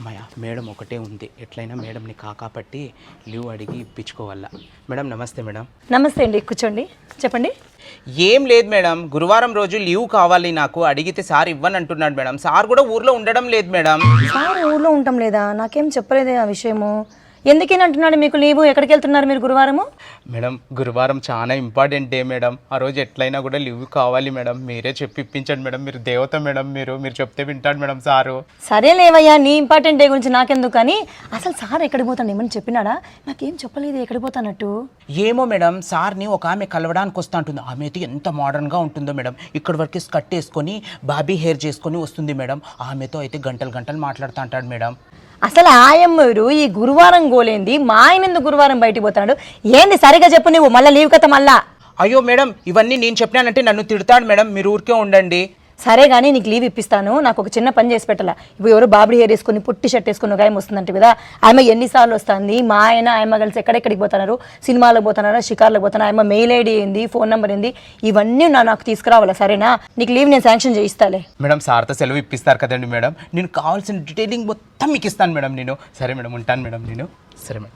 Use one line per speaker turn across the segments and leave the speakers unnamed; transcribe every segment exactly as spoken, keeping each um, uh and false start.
అమ్మాయ మేడం ఒకటే ఉంది, ఎట్లయినా మేడంని కాకాపట్టి లీవ్ అడిగి ఇప్పించుకోవాలా. మేడం నమస్తే. మేడం
నమస్తే అండి, కూర్చోండి, చెప్పండి.
ఏం లేదు మేడం, గురువారం రోజు లీవ్ కావాలి నాకు, అడిగితే సార్ ఇవ్వని అంటున్నాడు మేడం. సార్ కూడా ఊర్లో ఉండడం లేదు మేడం.
సార్ ఊర్లో ఉండటం లేదా? నాకేం చెప్పలేదే ఆ విషయము. ఎందుకని అంటున్నాడు మీకు లీవు? ఎక్కడికి వెళ్తున్నారు మీరు గురువారము?
మేడం గురువారం చాలా ఇంపార్టెంట్ డే మేడం, ఆ రోజు ఎట్లయినా కూడా లీవ్ కావాలి మేడం. మీరే చెప్పి ఇప్పించండి మేడం, మీరు దేవత మేడం, మీరు మీరు చెప్తే వింటాడు మేడం సారు.
సరే లేవయ్యా, నీ ఇంపార్టెంట్ డే గురించి నాకెందుకు, కానీ అసలు సార్ ఎక్కడికి పోతాను ఏమని చెప్పినాడా? నాకేం చెప్పలేదు ఎక్కడికి పోతానట్టు.
ఏమో మేడం, సార్ని ఒక ఆమె కలవడానికి వస్తూ ఉంటుంది. ఆమె అయితే ఎంత మోడర్న్గా ఉంటుందో మేడం, ఇక్కడ వరకు స్కర్ట్ వేసుకొని బాబీ హెయిర్ చేసుకొని వస్తుంది మేడం. ఆమెతో అయితే గంటలు గంటలు మాట్లాడుతూ అంటాడు మేడం.
అసలు ఆయమ్మరు ఈ గురువారం గోలేంది, మా ఆయన ఎందుకు గురువారం బయటికి పోతాడు ఏంది? సరిగా చెప్పు నువ్వు, మళ్ళీ లీవ్ కథ మళ్ళా.
అయ్యో మేడం, ఇవన్నీ నేను చెప్పినానంటే నన్ను తిడతాడు మేడం, మీరు ఊరికే ఉండండి.
సరే కానీ నీకు లీవ్ ఇప్పిస్తాను, నాకు ఒక చిన్న పని చేసి పెట్టాలా. ఇప్పుడు ఎవరు బాబడి హెయిర్ వేసుకొని పుట్టి షర్ట్ వేసుకుని ఒక ఆయన వస్తుందంటే కదా, ఆయమ్మ ఎన్నిసార్లు వస్తుంది, మా ఆయన ఆయమ్మ కలిసి ఎక్కడెక్కడికి పోతున్నారు, సినిమాలకు పోతున్నారా, షికార్లకు పోతున్నా, ఆయమ్మ మెయిల్ ఐడి ఏంది, ఫోన్ నెంబర్ ఏంది, ఇవన్నీ నా నాకు తీసుకురావాలా. సరేనా? నీకు లీవ్ నేను శాంక్షన్ చేయిస్తాలే.
మేడం సార్తో సెలవు ఇప్పిస్తారు కదండి మేడం, నేను కావాల్సిన డీటెయిలింగ్ మొత్తం మీకు ఇస్తాను మేడం నేను. సరే మేడం, ఉంటాను మేడం నేను. సరే మేడం.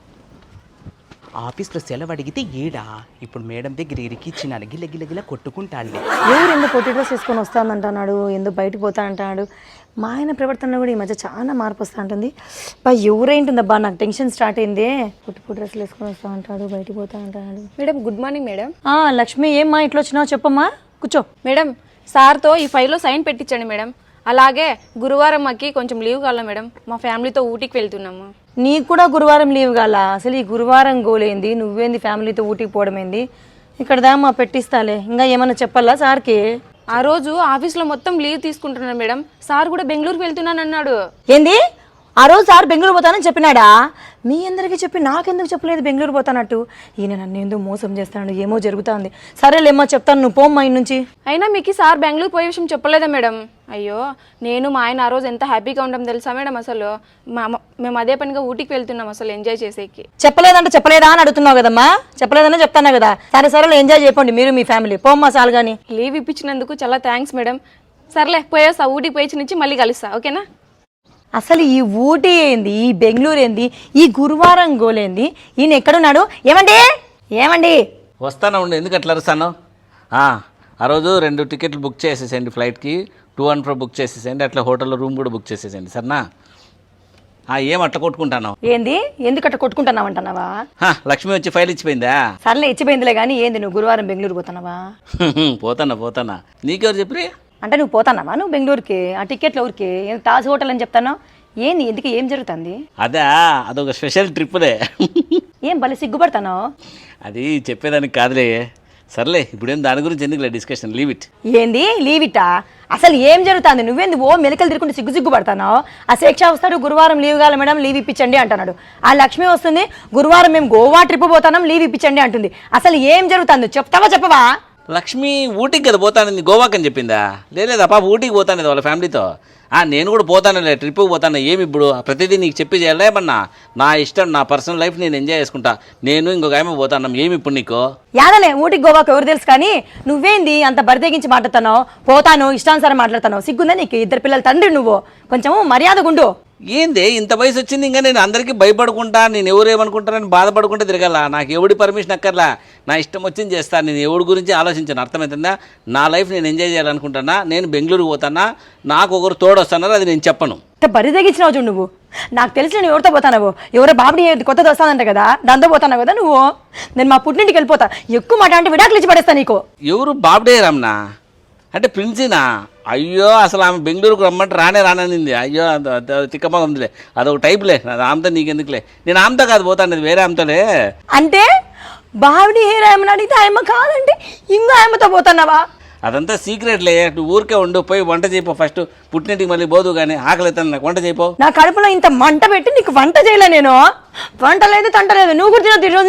ఆఫీస్లో సెలవు అడిగితే ఏడా, ఇప్పుడు మేడం దగ్గర ఇరికిచ్చినాను, గిల్ల గిల్ల గిల్ల కొట్టుకుంటాడు.
ఎవరు ఎందుకు పొట్టి డ్రెస్ వేసుకొని వస్తానంటున్నాడు, ఎందుకు బయటకు పోతా అంటున్నాడు. మా ఆయన ప్రవర్తన కూడా ఈ మధ్య చాలా మార్పు వస్తూ ఉంటుంది. బా ఎవరేంటుందబ్బా, నాకు టెన్షన్ స్టార్ట్ అయిందే. పొట్టి పొట్టి డ్రెస్సులు వేసుకొని వస్తా అంటాడు, బయటకు పోతా అంటాడు.
Madam good morning madam.
Lakshmi, ఏమ్మా ఇట్లా వచ్చినావు? చెప్పమ్మా, కూర్చో.
మేడం సార్తో ఈ ఫైల్లో సైన్ పెట్టించండి మేడం. అలాగే గురువారం మాకి కొంచెం లీవ్ కావాలా మేడం, మా ఫ్యామిలీతో ఊటీకి వెళ్తున్నాము.
నీకు కూడా గురువారం లీవ్ కాలా? అసలు ఈ గురువారం గోలేంది, నువ్వేంది ఫ్యామిలీతో ఊటీకి పోవడం ఏంది? ఇక్కడ దామా పెట్టిస్తాలే, ఇంకా ఏమన్నా చెప్పాలా సార్కి?
ఆ రోజు ఆఫీస్లో మొత్తం లీవ్ తీసుకుంటున్నాను మేడం, సార్ కూడా బెంగళూరుకి వెళ్తున్నాను అన్నాడు.
ఏంది? ఆ రోజు సార్ బెంగళూరు పోతానని చెప్పినాడా? మీ అందరికీ చెప్పి నాకెందుకు చెప్పలేదు బెంగళూరు పోతానట్టు? ఈయన నన్ను ఎందుకు మోసం చేస్తాడు, ఏమో జరుగుతుంది. సరేలేమ్మా చెప్తాను, నువ్వు పోమ్మా ఇంటి నుంచి.
అయినా మీకు సార్ బెంగళూరు పోయే విషయం చెప్పలేదా మేడం? అయ్యో, నేను మా ఆయన ఆ రోజు ఎంత హ్యాపీగా ఉంటాం తెలుసా మేడం. అసలు మా మేము అదే పనిగా ఊటీకి వెళ్తున్నాం అసలు ఎంజాయ్ చేసేకి.
చెప్పలేదంటే చెప్పలేదా అని అడుగుతున్నావు కదమ్మా, చెప్పలేదనే చెప్తాను కదా. సరే సరే ఎంజాయ్ చేయకండి మీరు మీ ఫ్యామిలీ, పోమ్మా సార్. కానీ
లీవ్ ఇప్పించినందుకు చాలా థ్యాంక్స్ మేడం. సర్లే పోయేస్తా, ఊటీకి పోయి నుంచి మళ్ళీ కలుస్తా, ఓకేనా?
అసలు ఈ ఊటీ ఏంది, ఈ బెంగళూరు ఏంది, ఈ గురువారం గోలేంది, ఈయన ఎక్కడున్నాడు? ఏమండి ఏమండి
వస్తాను ఉండి, ఎందుకు అట్లా అరుస్తాను? ఆ రోజు రెండు టికెట్లు బుక్ చేసేసేయండి, ఫ్లైట్కి టూ అండ్ ఫ్రో బుక్ చేసేసేయండి, అట్లా హోటల్లో రూమ్ కూడా బుక్ చేసేసేయండి, సరేనా? ఏం అట్లా కొట్టుకుంటాను?
ఏంది? ఎందుకు అట్లా కొట్టుకుంటున్నావు అంటున్నావా?
లక్ష్మి వచ్చి ఫైల్ ఇచ్చిపోయిందా?
సర్లే ఇచ్చిపోయిందిలే కానీ ఏంది, నువ్వు గురువారం బెంగళూరు పోతున్నావా?
పోతానా పోతానా నీకెవరు చెప్పి?
అంటే నువ్వు పోతానావా నువ్వు బెంగళూరుకి? ఆ టికెట్లు ఊరికి తాజ్ హోటల్ అని చెప్తాను. ఏంది, ఎందుకు, ఏం జరుగుతుంది?
అదా, అదొక స్పెషల్ ట్రిప్లే.
ఏం భలే సిగ్గుపడతాను?
అది చెప్పేదానికి కాదులే. సర్లే, ఇప్పుడేం దాని గురించి ఎందుకులే డిస్కషన్, లీవ్ ఇట్.
ఏంది లీవ్ ఇట్టా? అసలు ఏం జరుగుతుంది? నువ్వేంది ఓ మెలకలు తిరుగుంటే సిగ్గు సిగ్గు పడతాను? ఆ శిక్ష వస్తాడు, గురువారం లీవ్ కావాలి మేడం, లీవ్ ఇప్పించండి అంటున్నాడు. ఆ లక్ష్మి వస్తుంది, గురువారం మేము గోవా ట్రిప్ పోతాం, లీవ్ ఇప్పించండి అంటుంది. అసలు ఏం జరుగుతుంది చెప్తావా చెప్పవా?
లక్ష్మి ఊటీకి కదా పోతానని, గోవాకి అని చెప్పిందా? లేదా పాప ఊటీకి పోతాను వాళ్ళ ఫ్యామిలీతో. నేను కూడా పోతానులే, ట్రిప్కి పోతాను. ఏమి ఇప్పుడు ప్రతిదీ నీకు చెప్పి చేయాలేమన్నా? నా ఇష్టం, నా పర్సనల్ లైఫ్ నేను ఎంజాయ్ చేసుకుంటా. నేను ఇంకొక ఆమె పోతాను, ఏమి ఇప్పుడు నీకు?
యాదలే ఊటికి గోవాకి ఎవరు తెలుసు, కానీ నువ్వేంది అంత బరితెగించి మాట్లాడుతున్నావు? పోతాను ఇష్టానుసారం మాట్లాడుతున్నావు, సిగ్గుందా నీకు? ఇద్దరు పిల్లల తండ్రి నువ్వు, కొంచెం మర్యాదగుండు.
ఏంది ఇంత వయసు వచ్చింది ఇంకా నేను అందరికీ భయపడుకుంటా, నేను ఎవరు ఏమనుకుంటానని బాధపడుకుంటే తిరగల. నాకు ఎవడి పర్మిషన్ అక్కర్లా, నా ఇష్టం వచ్చింది చేస్తాను. నేను ఎవడి గురించి ఆలోచించాను, అర్థమవుతుందా? నా లైఫ్ నేను ఎంజాయ్ చేయాలనుకుంటానా, నేను బెంగళూరు పోతానా, నాకు ఒకరు తోడొస్తానారు, అది నేను చెప్పను.
బరి తెగించినావు చూడు నువ్వు. నాకు తెలిసి నేను ఎవరితో పోతానవు, ఎవరో బాబుని కొత్తది వస్తానంట కదా, దాంతో పోతాను కదా నువ్వు. నేను మా పుట్టింటికి వెళ్ళిపోతా, ఎక్కువ మాట అంటే విడాకులు ఇచ్చి పడేస్తా నీకు.
ఎవరు బాబుడే రమ్నా అంటే ప్రిన్సీనా? అయ్యో, అసలు ఆమె బెంగళూరుకు రమ్మంటే రానే రాననింది. అయ్యో తిక్కమగందిలే, అదొక టైప్లే. అది ఆమెతో నీకెందుకులే, నేను ఆమెతో కాదు పోతాను, వేరే ఆమెతోలే. అంటే
బావిడి హెయిర్ ఆమెను అడిగితే ఆయమ్మ కాదంటే ఇంకో ఆయమ్మతో పోతున్నావా?
అదంతా సీక్రెట్లే, నువ్వు ఊరికే ఉండు, పోయి వంట చేయిపో ఫస్ట్. పుట్టింటికి మళ్ళీ పోదు కానీ ఆకలి అవుతాను, నాకు వంట చేయిపో.
నా కడుపులో ఇంత మంట పెట్టి నీకు వంట చేయలే నేను. వంట లేదు తంట లేదు, నువ్వు కూడా తినొద్దు ఈ రోజు నుంచి.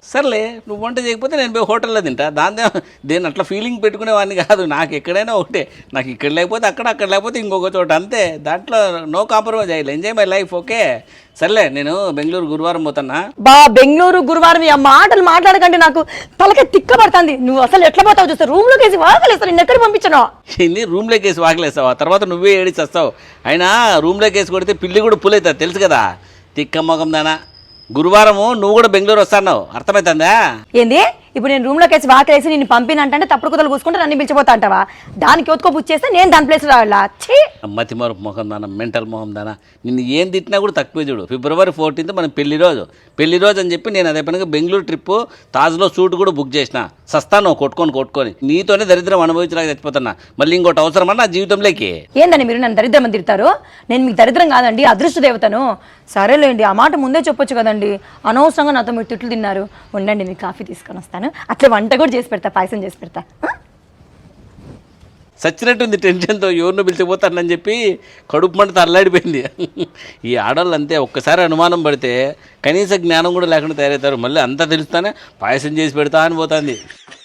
సర్లే నువ్వు వంట చేయకపోతే నేను పోయి హోటల్లో తింటా దాని దేని అట్లా ఫీలింగ్ పెట్టుకునేవాడిని కాదు. నాకు ఎక్కడైనా ఒకటే, నాకు ఇక్కడ లేకపోతే అక్కడ, అక్కడ లేకపోతే ఇంకొక చోట, అంతే. దాంట్లో నో కాంప్రమైజ్ అయ్యి ఎంజాయ్ మై లైఫ్. ఓకే సర్లే, నేను బెంగళూరు గురువారం పోతున్నా.
బా బెంగళూరు గురువారం ఆ మాటలు మాట్లాడకంటే నాకు తలకి తిక్క పడుతుంది. నువ్వు అసలు ఎట్లా పోతావు చూస్తే రూమ్ లోకి వేసి వాకలేస్తావు. నేను ఎక్కడ పంపించను?
ఇన్ని రూమ్లోకి వేసి వాకలేస్తావా? తర్వాత నువ్వే ఏడిచి వస్తావు. అయినా రూమ్లోకి వేసి కొడితే పిల్లి కూడా పులవుతుంది తెలుసు కదా. తిక్క మొగం దానా. గురువారము నువ్వు కూడా బెంగళూరు వస్తాను, అర్థమవుతుందా?
ఏంది ఇప్పుడు నేను రూమ్ లోకి వేసి వాకలేసి నేను పంపినంటే తప్పుడు కుదలు కూసుకుంటే నన్ను పిలిచిపోతా అంటావా? దానికి ఒత్తుకో బుచ్చేస్తే నేను దాని ప్లేస్ రావాలా? ఛీ,
మతి మరపు మొహం దానా, మెంటల్ మొహం దానా. నిన్ను ఏం తిట్టినా కూడా తక్కువే చూడు. ఫిబ్రవరి ఫోర్టీన్త్ మనం పెళ్లి రోజు పెళ్లి రోజు అని చెప్పి నేను అదే పనిగా బెంగళూరు ట్రిప్ తాజ్లో సూట్ కూడా బుక్ చేసిన. సస్తాను కొట్టుకొని కొట్టుకొని నీతోనే దరిద్రం అనుభవించడానికి చచ్చిపోతున్నా. మళ్ళీ ఇంకోటి అవసరమా నా జీవితంలోకి?
ఏందని మీరు నన్ను దరిద్రం అని తిడతారు? నేను మీకు దరిద్రం కాదండి, అదృష్ట దేవతను. సరేలేండి, ఆ మాట ముందే చెప్పొచ్చు కదండి. అనవసరంగా నాతో మీరు తిట్లు తిన్నారు. ఉండండి, మీకు కాఫీ తీసుకొని వస్తాను. అట్లా వంట కూడా చేసి పెడతా, పాయసం చేసి పెడతా.
సచ్చినట్టుంది టెన్షన్తో, ఎవరినో పిలిచిపోతానని చెప్పి కడుపు మంట అల్లాడిపోయింది. ఈ ఆడవాళ్ళు అంతే, ఒక్కసారి అనుమానం పడితే కనీస జ్ఞానం కూడా లేకుండా తయారవుతారు. మళ్ళీ అంతా తెలుస్తానే పాయసం చేసి పెడతా అని పోతుంది.